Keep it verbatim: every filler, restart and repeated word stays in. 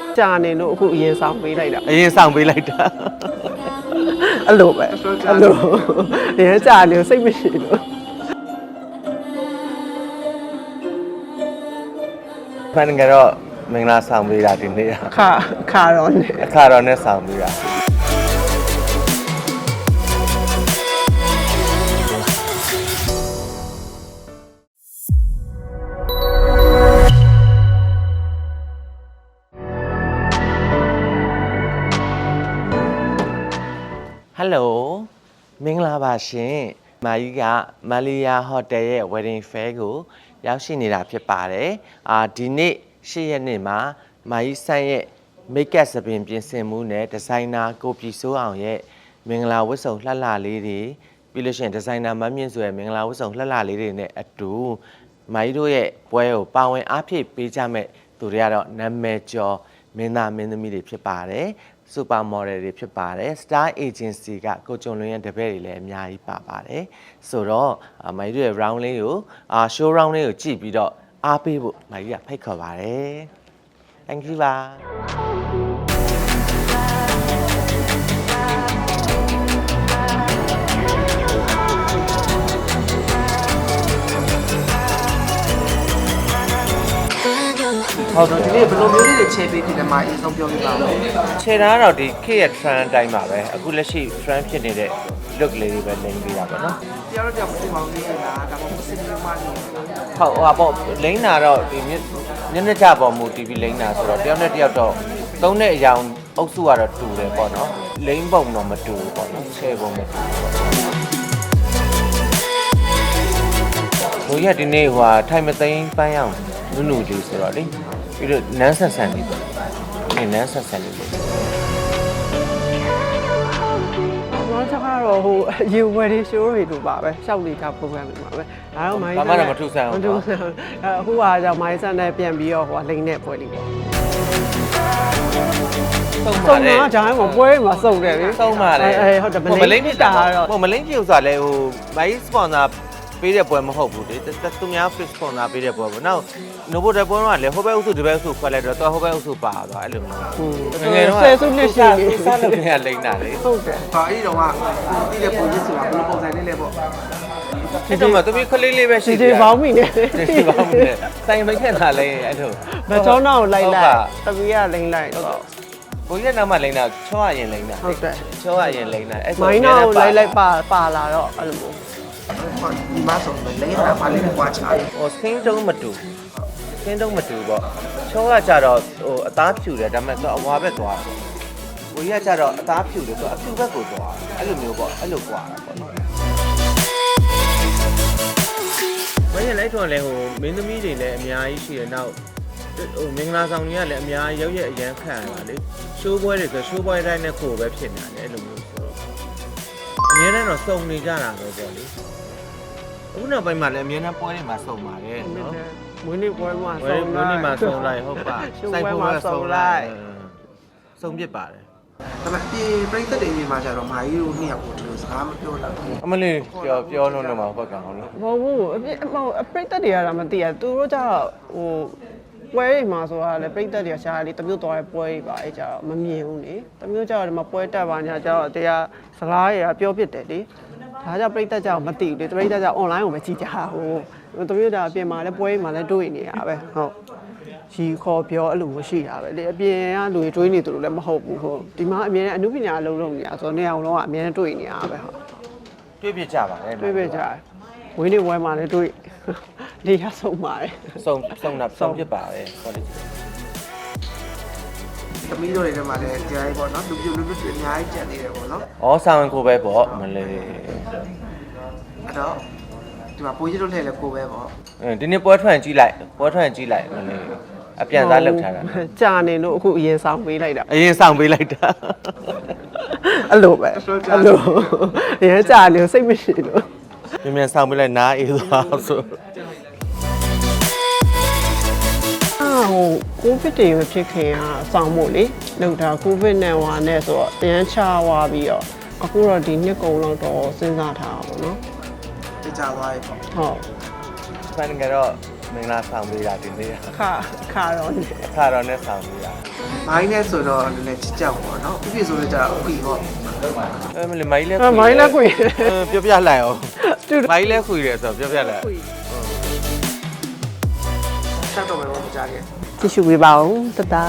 ကြာနေလို့အခုအရင်ဆောင်ပေးလိုက်တာအရင်ဆောင်ပေးလိုက်တာအဲ့လိုပဲအဲ့လိုအရင်ကြာနေစိတ်မရှိလို့ဖန်ကတော့မင်္ဂလာဆောင်ပေးတာဒီနေ့ခါခါတော့နေအခါတော်နဲ့ဆောင်ပေးတာဟယ်လိုမင်္ဂလာပါရှင်မာကြီးကမလေးယာဟိုတယ်ရဲ့ wedding fair ကိုရောက်ရှိနေတာဖြစ်ပါတယ်အာဒီနေ့၈ရက်နေ့မှာမာကြီးဆန်းရဲ့ make up သပင်ပြင်ဆင်မှုနဲ့ဒီဇိုင်နာကိုပြည်စိုးအောင်ရဲ့မင်္ဂလာဝတ်စုံလှလှလေးတွေပြီးလို့ရှိရင်ဒီဇိုင်နာမမြင့်ဆိုရဲ့မင်္ဂလာဝတ်စုံလှလှလေးတွေနဲ့အတူမာကြီးတို့ရဲ့ပွဲကိုပါဝင်အားဖြည့်ပေးကြမဲ့သူတွေကတော့နာမည်ကျော်မင်းသားမင်းသမီးတွေဖြစ်ပါတယ်စူပါမော်ဒယ်တွေဖြစ်ပါတယ် Star Agency ကကိုကျော်လွင်ရဲ့တပည့်တွေလည်းအများကြီးပါပါတယ်ဆိုတော့မာကြီးတို့ရဲ့ round လေးကိုအာ show round လေးကိုကြည့်ပြီးတော့အားပေးဖို့မာကြီးကဖိတ်ခေါ်ပါတယ် Thank you ပါဟုတ်တော့ဒီနေ့ဘယ်လိုမျိုးလေးတွေချဲပေးဖြစ်တယ်မှာအရင်ဆုံးပြောပြပါဦးခြေသားတော့ဒီ K ရဲ့ trend အတိုင်းပါပဲအခုလက်ရှိ trend ဖြစ်နေတဲ့ look လေးတွေပဲလိမ့်ပေးတာပေါ့နော်တယောက်တော့တယောက်မသိပါဘူးလေလားဒါမှမဟုတ်စင်မမလေးဟုတ်ဟိုပါပေါ့လိမ့်တာတော့ဒီမျက်နှာကြပေါ်မူ တီဗီ လိမ့်တာဆိုတော့တယောက်နဲ့တယောက်တော့သုံးတဲ့အရာအုပ်စုကတော့တူတယ်ပေါ့နော်လိမ့်ပုံတော့မတူဘူးပေါ့နော်ခြေပုံမတူဘူးဘိုးရဒီနေ့ဟိုထိုင်မသိမ်းပန်းအောင်နုနုလေးဆိုတော့လေပြီးတော့နန်းဆန်ဆန်လေးပေါ့ဒီနန်းဆန်ဆန်လေးပေါ့တော့ကျကတော့ဟိုရေ wedding show တွေလိုပါပဲရှောက်လေက program တွေပါပဲဒါတော့မိုင်းဘာမှတော့မထူးဆန်းဘူးမထူးဆန်းအခုကကြောင့်မိုင်းဆန်နဲ့ပြန်ပြီးတော့ဟိုလိန်နဲ့ပွဲလေးပေါ့ဆုံးစုံပါတယ်တော့ဂျိုင်းကပွဲမှာစုံတယ်လေဆုံးပါတယ်အဲဟုတ်တယ်မလိမ့်ဖြစ်တာတော့ဟိုမလိမ့်ဖြစ်ဆိုတာလေဟိုမိုင်းစပွန်ဆာပေးတဲ့ပွဲမဟုတ်ဘူးလေသူများ fish sponsor ပေးတဲ့ပွဲပေါ့နောက် novo တဲ့ပွဲတော့လေဟိုဘက်အုပ်စုဒီဘက်အုပ်စုခွဲလိုက်တော့တော့ဟိုဘက်အုပ်စုပါသွားအဲ့လိုမျိုးငယ်တော့ဆယ်စုနှစ်ရှိပြီစားလို့ရလိမ့်တာလေဟုတ်တယ်ဟာအဲ့ဒီတော့ကတီးတဲ့ပုံကြီးဆိုတာဘယ်လိုပုံစံလေးလဲပေါ့အဲ့တော့မှသူပြီးခလေးလေးပဲရှိဒီပေါင်းမိနေဒီပေါင်းမိနေစိုင်မခက်တာလေအဲ့လိုမချောင်းတော့လိုက်လိုက်တပီးကလိမ့်လိုက်တော့ဘိုးရဲ့နောက်မှလိမ့်တာချောရရင်လိမ့်တာဟုတ်တယ်ချောရရင်လိမ့်တာအဲ့မိုင်းနာကိုလိုက်လိုက်ပါပါလာတော့အဲ့လိုမျိုးဒီမှာဆိုလိမ့်တာမလေးနဲ့ကွာချားဟိုစင်းတုံးမတူစင်းတုံးမတူပေါ့ချောကကြတော့ဟိုအသားဖြူတယ်ဒါပေမဲ့သူအဝါဘက်သွားတယ်ဘိုးကြီးကကြတော့အသားဖြူတယ်သူအဖြူဘက်ကိုသွားတယ်အဲ့လိုမျိုးပေါ့အဲ့လိုကွာတာပေါ့နော်မင်းလည်းထွန်လဲဟိုမင်းသမီးတွေလည်းအများကြီးရှိတယ်နောက်ဟိုမင်္ဂလာဆောင်တွေကလည်းအများကြီးရောက်ရအရန်ခံရတာလေရှိုးပွဲတွေဆိုရှိုးပွဲတိုင်းနဲ့ကိုပဲဖြစ်နေတယ်အဲ့လိုမျိုးဆိုတော့အများနဲ့တော့စုံနေကြတာပဲပေါ့လေအခုနောက်ပိုင်းမှာလည်းအများနဲ့ပွဲတွေမှာစုံပါတယ်နော်မွေးနေ့ပွဲမှာဝယ်စုံမလိုက်င်းမှာစုံလိုက်ဟုတ်ပါရှိုးပွဲမှာစုံလိုက်စုံပြစ်ပါတယ်ဒါပေမဲ့ပြေပြိသက်တွေနေမှာကျတော့မာကြီးတို့နှစ်ယောက်ကိုဒီလိုစကားမပြောတော့ဘူးအမလေးပြောပြောလို့တော့မှာဘက်ကောင်လို့မဟုတ်ဘူးအပြစ်ဟိုအပရိသတ်တွေကတော့မသိရသူတို့ကျတော့ဟိုပွဲတွေမှာဆိုတာလေပရိသတ်တွေကရှားလေတမျိုးသွားတဲ့ပွဲတွေပါအဲကြတော့မမြင်ဘူးလေတမျိုးကျတော့ဒီမှာပွဲတက်ပါညာကျတော့တရားစကားတွေကပြောပြတယ်လေဒါကြောင့်ပရိသတ်ကြောင့်မသိဘူးလေပရိသတ်ကြောင့် online ကိုပဲကြည့်ကြဟိုတမျိုးကအပြင်မှာလည်းပွဲတွေမှာလည်းတွေ့နေရပဲဟုတ်ရီခေါ်ပြောအဲ့လိုမရှိတာပဲလေအပြင်ကလူတွေတွေးနေသူတို့လည်းမဟုတ်ဘူးဟုတ်ဒီမှာအမြဲတမ်းအမှုပညာအလုံးလုံးနေတာဆိုတော့နေအောင်လုံးကအမြဲတမ်းတွေ့နေရပဲဟုတ်တွေ့ပြကြပါတယ်တွေ့ပြကြတယ်ဝင်းနေဝဲမှာလည်းတွေ့လေရဆုံးပါတယ်စုံစုံတာစုံပြစ်ပါတယ်ဟောဒီသမီးတို့တွေထဲမှာလည်းကြားရေးပေါ့နော်လူပြလူပြတွေအများကြီးကြံနေတယ်ပေါ့နော်ဩဆောင်ကိုပဲပေါ့မလေးအဲ့တော့ဒီမှာပိုးကြီးတို့လှည့်လဲကိုပဲပေါ့အဲဒီနေ့ပွဲထွက်ကြည့်လိုက်ပွဲထွက်ကြည့်လိုက်မလေးအပြန်သားလောက်ထားတာကြာနေလို့အခုအရင်ဆောင်ပေးလိုက်တာအရင်ဆောင်ပေးလိုက်တာအဲ့လိုပဲအဲ့လိုအရင်ကြာနေစိတ်မရှိလို့မြန်မြန်ဆောင်ပေးလိုက်နားအေးသွားဆိုအာဟိုကိုဗစ်တွေဖြစ်ခင်ကစောင့်ဖို့လေလောက်တာကိုဗစ်နဲ့ဟွာနဲ့ဆိုတော့တန်းချသွားပြီးတော့အခုတော့ဒီနှစ်ကုံလောက်တော့စဉ်းစားထားအောင်နော်တကြသွားရေပေါ့ဟုတ်ဖန်ကတော့မင်္ဂလာဆောင်ပေးတာဒီနေ့ခါခါတော့နေအခါတော်နဲ့ဆောင်ပေးတာမိုင်းနဲ့ဆိုတော့နည်းနည်းချစ်ကြပါတော့ပြပြဆိုတော့ကြာဥပီပေါ့အဲမလေးမိုင်းလဲမိုင်းလည်းခွေပြောပြလိုက်အောင်မိုင်းလဲခွေတယ်ဆိုတော့ပြောပြလိုက်ဆက်တော့မယ်ပေါ့မကြခဲ့ကြည့်ရှုပေးပါဦးတတ